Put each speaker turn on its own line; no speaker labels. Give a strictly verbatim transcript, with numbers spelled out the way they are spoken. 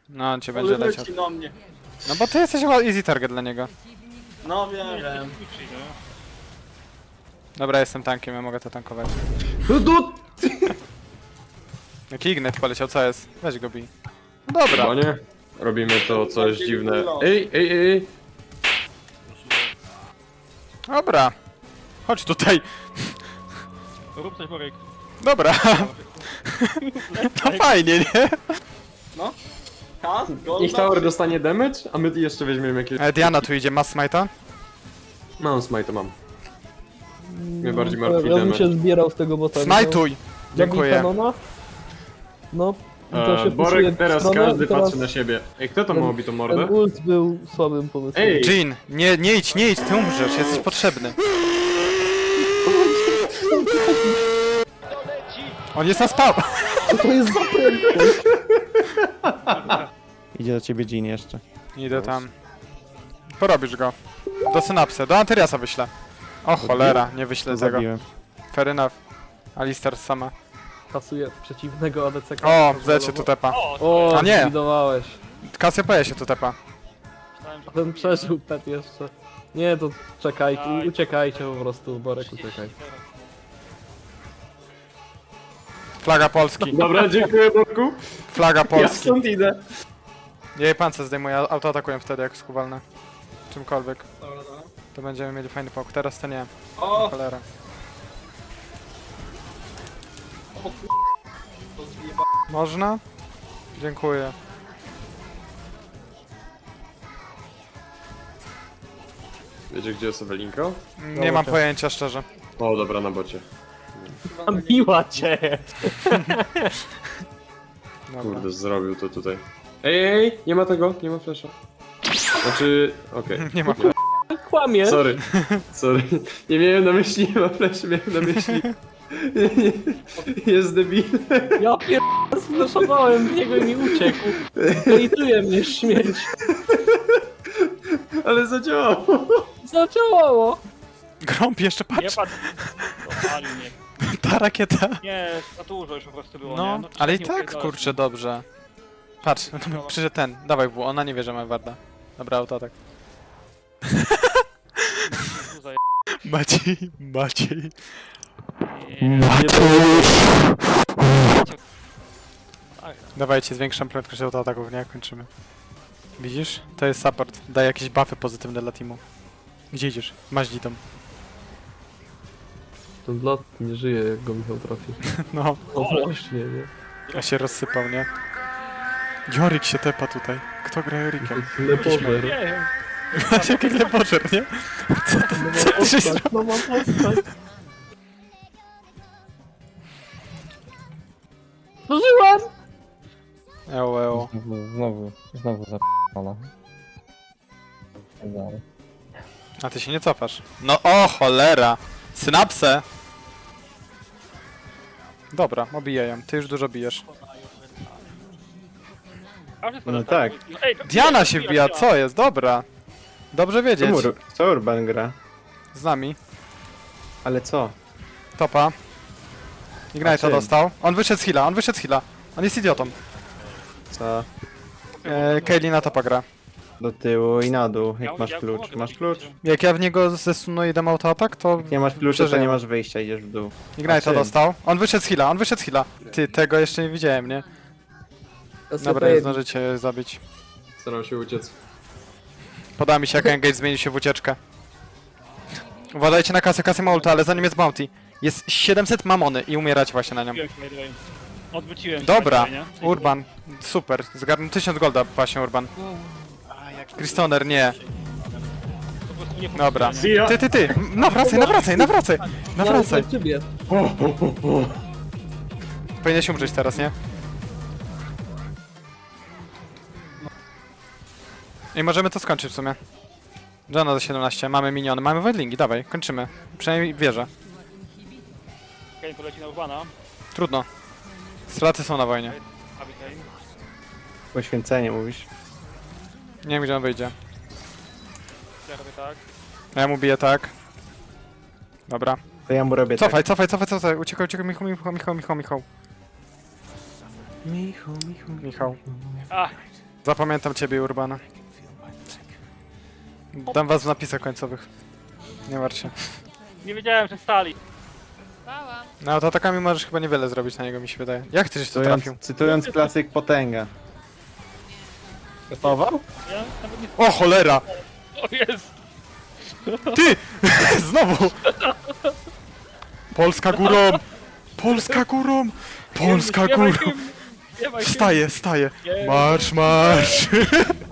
No, on cię będzie
Ale
leciał.
leci na mnie.
No bo ty jesteś chyba easy target dla niego.
No wiem, wiem.
Dobra, jestem tankiem, ja mogę to tankować.
No to...
Jaki Ignite poleciał, co jest? Weź go bij. No dobra.
Chyba nie. Robimy to coś dziwne. Ej, ej, ej, ej.
Dobra. Chodź tutaj.
Rób coś, Borek.
Dobra. To fajnie, nie?
No. Kas, golda.
Niech tower dostanie damage, a my jeszcze weźmiemy jakieś...
E, Diana tu idzie, masz smite'a?
Mam smite, mam. Mnie bardziej
Ja
martwi
ja bym
damage.
się zbierał z tego bota.
Smajtuj! Dziękuję.
Kanona? No, to się
E,
puszuje
Borek,
w
teraz
stronę
każdy
i teraz
patrzy na siebie. Ej, kto to
ten-
ma obitą
Ten
mordę?
ult był słabym pomysłem.
Ej!
Jean, nie, nie idź, nie idź, ty umrzesz, jesteś potrzebny. On jest na spał.
Co to jest za prędkość?
Idzie do ciebie Jean jeszcze.
Idę tam. Porobisz go. Do synapsy, do Antyriasa wyślę. O cholera, nie wyślę
To
tego.
zabiłem.
Fair enough. Alistar sama.
Kasuje przeciwnego A D C.
O, zecie tu tepa.
O,
A nie.
zbudowałeś.
Cassiopeia się tu tepa.
Ten przeżył pet jeszcze. Nie, to czekaj, uciekajcie po prostu, Borek, uciekaj.
Flaga Polski.
Dobra, dziękuję Borku.
Flaga
Ja
Polski.
stąd idę.
Jej pancerz zdejmuje, autoatakuję wtedy jak skuwalne. Czymkolwiek.
Dobra, dobra.
To będziemy mieli fajny pok. Teraz to nie.
O,
Cholera.
o kur... To zjeba...
Można? Dziękuję.
Wiecie gdzie jest Ewelinka?
Nie mam pojęcia szczerze.
O, dobra, na bocie.
Miła cię!
Dobra.
Kurde, zrobił to tutaj. Ej, ej, nie ma tego, nie ma flasha. Znaczy, okej.
Nie ma.
Kłamie!
Sorry, sorry. Nie miałem na myśli, nie ma flasha, miałem na myśli. Nie, nie, jest debil.
Ja pier... Zflaszowałem w niego i mi uciekł. Hejtuje mnie śmierć.
Ale zadziałało.
Zadziałało!
Grąb jeszcze
Nie
patrz.
padł. Dopalił mnie.
Ta rakieta.
Nie, za dużo już po prostu było,
No,
nie? No,
ale i
nie
tak
upierdalać.
kurczę dobrze. Patrz, przyszedł ten. Dawaj W, ona nie wie, że ma warda. Dobra, autoatak.
Tu zaje-
Maciej, Maciej.
Nie, tak.
Dawajcie, zwiększam prędkość autoataków, nie? Kończymy. Widzisz? To jest support. Daj jakieś buffy pozytywne dla teamu. Gdzie idziesz? Masz dzitom.
Ten blat nie żyje, jak go Michał trafi.
No,
No właśnie, nie?
a się rozsypał, nie? Jorik się tepa tutaj. Kto gra Jorikiem?
Lepożer.
Nie wiem.
Masz jaki lepożer, nie? Co to, co ty się zrobił?
No mam postać. Zużyłam!
Eło, eło.
Znowu, znowu, znowu zapala. Dalej.
A ty się nie cofasz. No o cholera! Synapsę! Dobra, obiję ją. Ty już dużo bijesz.
A, wszystko
No
dostałem.
tak.
Ej, to-
Diana się wbija, co jest? Dobra. Dobrze wiedzieć.
Ur, co Urban gra?
Z nami.
Ale co?
Topa.
A
Ignite'a
czym?
dostał. On wyszedł z heala, on wyszedł z heala. On jest idiotą.
Co?
E, Kaylee na topa gra.
Do tyłu i na dół,
Ja-
jak masz
ja
klucz.
pomogę,
Masz
bo-
klucz?
Jak ja w niego zesunuję i dam autoatak, to
Jak nie masz klucza, to
Przeżyję.
nie masz wyjścia, idziesz w dół. A
Ignite'a
czym?
dostał. On wyszedł z heala, on wyszedł z heala. Ty, tego jeszcze nie widziałem, nie? Dobra, nie zdążycie zabić.
Starał się uciec.
Podoba mi się, jak engage zmienił się w ucieczkę. Uważajcie na kasę, kasę ma ulta, ale zanim jest bounty. Jest siedemset mamony i umieracie właśnie na nią.
Odwróciłem się, by the way. Odwróciłem się,
Dobra,
by the way, nie?
Urban, super. Zgarnął tysiąc golda właśnie Urban. Kristoner, nie.
Po prostu nie
Dobra.
funkcjonuje,
Ty, ty, ty! Nawracaj, nawracaj, nawracaj! Nawracaj!
Na ciebie.
Powinieneś umrzeć teraz, nie? I możemy to skończyć w sumie. Johna za siedemnaście, mamy miniony, mamy wendlingi, dawaj, kończymy. Przynajmniej wierzę.
nie? Kane poleci na Urbana.
Trudno. Straty są na wojnie.
Abi Kane.
Poświęcenie mówisz.
Nie wiem, gdzie on wyjdzie.
Ja robię tak.
Ja mu biję tak. Dobra.
To ja mu robię
Cofaj, cofaj, cofaj, cofaj. Uciekaj, uciekaj, Michał, Michał, Michał, Michał, Michał.
tak. Michu, Michu.
Michał.
A,
Zapamiętam ciebie, Urbana. Dam was w napisach końcowych. Nie martw się.
Nie wiedziałem, że stali.
Bałam.
No autoatakami możesz chyba niewiele zrobić na niego, mi się wydaje. Jak chcesz, to
Cytując,
trafił?
cytując klasyk potęga.
Gotował?
Ja nawet nie...
O cholera!
O jest!
Ty! Znowu! Polska górą! Polska górą! Polska
Śpiewaj
górą!
hymn, śpiewaj hymn.
Wstaję, wstaję!
Nie.
Marsz, marsz!